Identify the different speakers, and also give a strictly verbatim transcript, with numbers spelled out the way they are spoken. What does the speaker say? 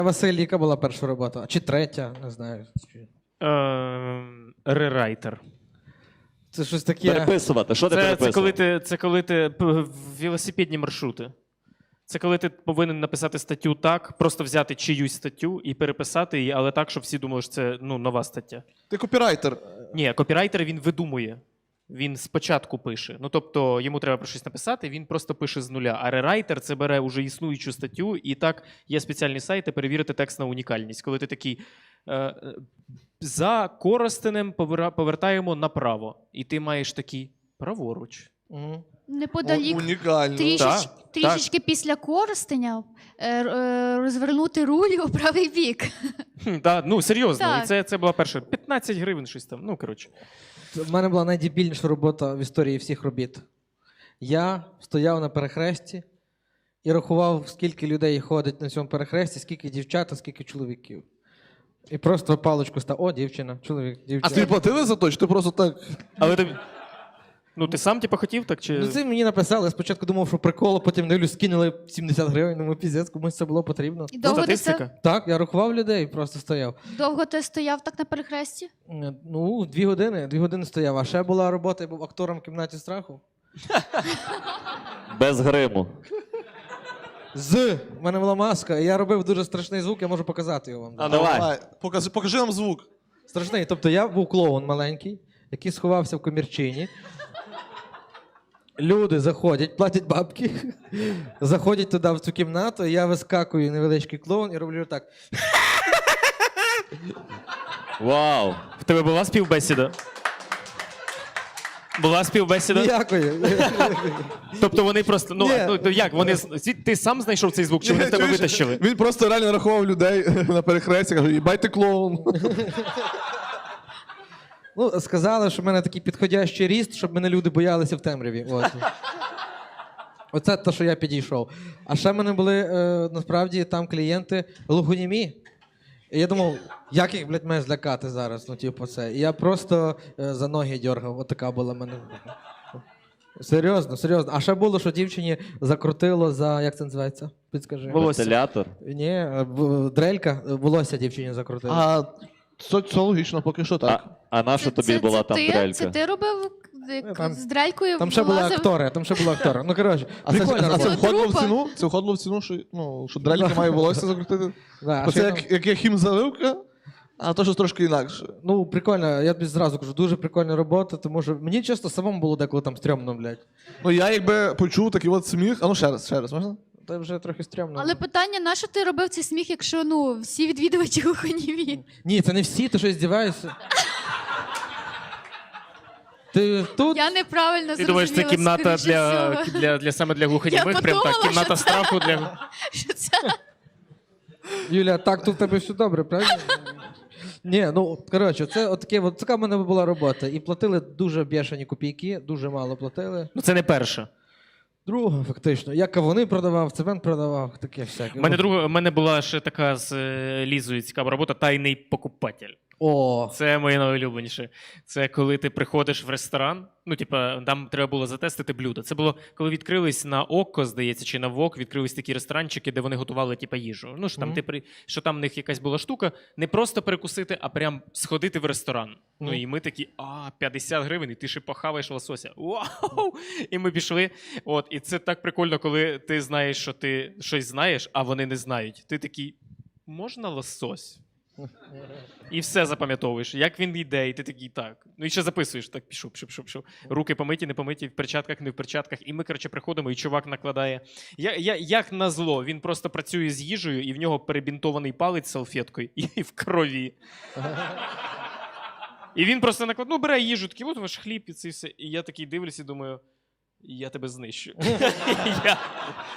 Speaker 1: Василь, яка була перша робота? Чи третя? Не знаю.
Speaker 2: Ем, Рерайтер.
Speaker 1: Це щось таке.
Speaker 3: Переписувати. Що ти
Speaker 2: Це, це,
Speaker 3: переписував?
Speaker 2: коли ти, це коли ти п- велосипедні маршрути. Це коли ти повинен написати статтю так, просто взяти чиюсь статтю і переписати її, але так, щоб всі думали, що це ну, нова стаття.
Speaker 4: Ти копірайтер.
Speaker 2: Ні, копірайтер він видумує. Він спочатку пише. Ну тобто йому треба про щось написати, він просто пише з нуля. А рерайтер це бере уже існуючу статтю, і так є спеціальні сайти перевірити текст на унікальність. Коли ти такий е, за Коростенем повера- повертаємо направо, і ти маєш такий праворуч.
Speaker 1: Мгм.
Speaker 5: Неподалік,
Speaker 4: Унікально.
Speaker 5: трішеч,
Speaker 2: Так,
Speaker 5: трішечки після Коростеня е, е, розвернути руль у правий бік.
Speaker 2: Хм, та, ну серйозно,
Speaker 5: Так.
Speaker 2: і це, це була перша п'ятнадцять гривень, щось там. Ну коротше.
Speaker 1: У мене була найдебільніша робота в історії всіх робіт. Я стояв на перехресті і рахував, скільки людей ходить на цьому перехресті, скільки дівчат, а скільки чоловіків. І просто паличку став. О, дівчина, чоловік,
Speaker 4: А
Speaker 1: дівчина.
Speaker 4: тобі платили за то, чи ти просто так?
Speaker 2: Але ти. Ну, ти сам типу, хотів так? Чи...
Speaker 1: Ну, це мені написали. Я спочатку думав, що прикол, а потім дивлюсь, скинули сімдесят гривень, ну піздець, комусь це було потрібно.
Speaker 5: І
Speaker 2: Ну,
Speaker 5: довго, ти
Speaker 2: статистика.
Speaker 5: це,
Speaker 1: Так, я рахував людей, просто стояв.
Speaker 5: довго ти стояв так на перехресті?
Speaker 1: Е, Ну, дві години, дві години стояв. А ще була робота, я був актором в кімнаті страху.
Speaker 3: Без гриму.
Speaker 1: З. У мене була маска, і я робив дуже страшний звук, я можу показати його вам.
Speaker 3: А давай.
Speaker 4: Покажи, покажи нам звук.
Speaker 1: Страшний. Тобто я був клоун маленький, який сховався в комірчині. Люди заходять, платять бабки, заходять туди в цю кімнату, і я вискакую невеличкий клоун і роблю так.
Speaker 3: Вау.
Speaker 2: В тебе була співбесіда? Була співбесіда?
Speaker 1: Ніякої.
Speaker 2: Тобто вони просто. Ну,
Speaker 1: Ні.
Speaker 2: ну то як? Вони з- ти сам знайшов цей звук, чи вони в тебе
Speaker 4: Чуєш?
Speaker 2: витащили?
Speaker 4: Він просто реально рахував людей на перехресті, каже, їбай ти клоун.
Speaker 1: Ну, сказали, що в мене такий підходящий ріст, щоб мене люди боялися в темряві. От. Оце те, що я підійшов. А ще в мене були е, насправді там клієнти глухонімі. І я думав, як їх, блядь, має злякати зараз, ну, типу, це. І я просто е, за ноги дьоргав, отака була в мене. Серйозно, серйозно. А ще було, що дівчині закрутило за, як це називається? Підскажи.
Speaker 2: Волосся.
Speaker 3: Вентилятор.
Speaker 1: Ні, е, в- дрелька, е, волосся дівчині закрутило.
Speaker 4: А це, це логічно, поки що
Speaker 3: А,
Speaker 4: так.
Speaker 3: а на що тобі була там
Speaker 5: ти,
Speaker 3: дрелька?
Speaker 5: Це ти робив як
Speaker 1: Ну, там-
Speaker 5: з дрелькою?
Speaker 1: Там ще були
Speaker 5: вилазив?
Speaker 1: актори, там ще були актори. Ну, коротше,
Speaker 4: А це,
Speaker 1: прикольна
Speaker 4: а це
Speaker 1: робота.
Speaker 4: входило в
Speaker 5: Трупа.
Speaker 4: ціну? Це входило в ціну, що, ну, що дрельки має волосся закрутити?
Speaker 1: Да, а
Speaker 4: Оце
Speaker 1: ще
Speaker 4: як,
Speaker 1: там-
Speaker 4: як є хімзаливка, а то щось трошки інакше.
Speaker 1: Ну, прикольно, я тобі зразу кажу, дуже прикольна робота, тому що мені чесно самому було деколи там стрьомно, блядь.
Speaker 4: Ну я якби почув такий от сміх. А ну ще раз, ще раз, можна?
Speaker 1: Це вже трохи стрьомно.
Speaker 5: Але питання, на що ти робив цей сміх, якщо ну всі відвідувачі глухонімі?
Speaker 1: Ні, це не всі, ти що здіваєшся. Ти тут?
Speaker 5: Я неправильно
Speaker 2: Ти думаєш, це
Speaker 5: зрозуміла,
Speaker 2: кімната
Speaker 5: скоріше
Speaker 2: для,
Speaker 5: всього.
Speaker 2: для, для саме для глухонімих?
Speaker 5: Я
Speaker 2: Прям так,
Speaker 5: подумала,
Speaker 2: кімната
Speaker 5: що це-
Speaker 2: страху для.
Speaker 5: Що це?
Speaker 1: Юля, так тут в тебе все добре, правильно? Ні, ну коротше, це от таке, от така в мене була робота. І платили дуже бешені копійки, дуже мало платили.
Speaker 2: Ну це не перша.
Speaker 1: Друга, фактично. Я кавуни продавав, цемент продавав, таке всяке.
Speaker 2: У мене друга, у мене була ще така з е, Лізою цікава робота тайний покупатель.
Speaker 1: О,
Speaker 2: Це моє найулюбленіше. Це коли ти приходиш в ресторан. Ну, типа, там треба було затестити блюдо. Це було, коли відкрились на Окко, здається, чи на Вок, відкрились такі ресторанчики, де вони готували типа їжу. Ну, що там,
Speaker 1: Мгм.
Speaker 2: ти при... що там в них якась була штука, не просто перекусити, а прям сходити в ресторан. Ну
Speaker 1: Мгм.
Speaker 2: і ми такі, а, п'ятдесят гривень, і ти ще похаваєш лосося. Вау! І ми пішли. От, і це так прикольно, коли ти знаєш, що ти щось знаєш, а вони не знають. Ти такий, можна лосось? І все запам'ятовуєш, як він йде, і ти такий так. Ну і ще записуєш, так пішов, пішов, пішов, пішов. Руки помиті, не помиті, в перчатках, не в перчатках. І ми, коротше, приходимо, і чувак накладає. Я, я, як назло, він просто працює з їжею, і в нього перебінтований палець салфеткою і в крові. І він просто накладає, ну бере їжу, такий, от ваш хліб і це все. І я такий дивлюся і думаю, я тебе знищу. Я-